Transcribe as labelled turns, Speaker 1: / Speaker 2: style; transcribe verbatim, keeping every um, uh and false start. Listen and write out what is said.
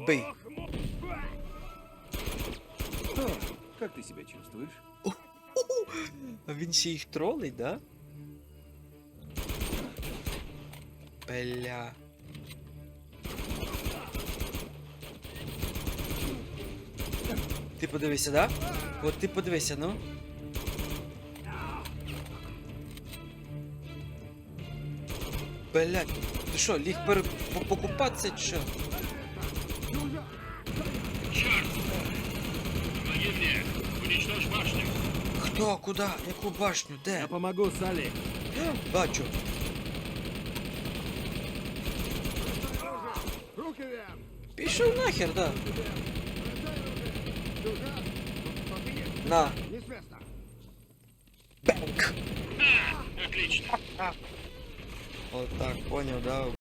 Speaker 1: Бий.
Speaker 2: О, как ты себя чувствуешь?
Speaker 1: А він ще їх тролить, да? Бля. Ти подивися, да? От ти подивися, ну. Блядь, ти що, ліг пере... по- покупатися чи що?
Speaker 3: Помоги мне! Уничтожь башню!
Speaker 1: Хто, куди, яку башню, де?
Speaker 2: Я помогу, Салли.
Speaker 1: Бачу.
Speaker 2: Руки вверх!
Speaker 1: Пішов нахер, да. На.
Speaker 2: Не с места!
Speaker 1: Бенк.
Speaker 3: Отлично!
Speaker 1: От так, поняв, да.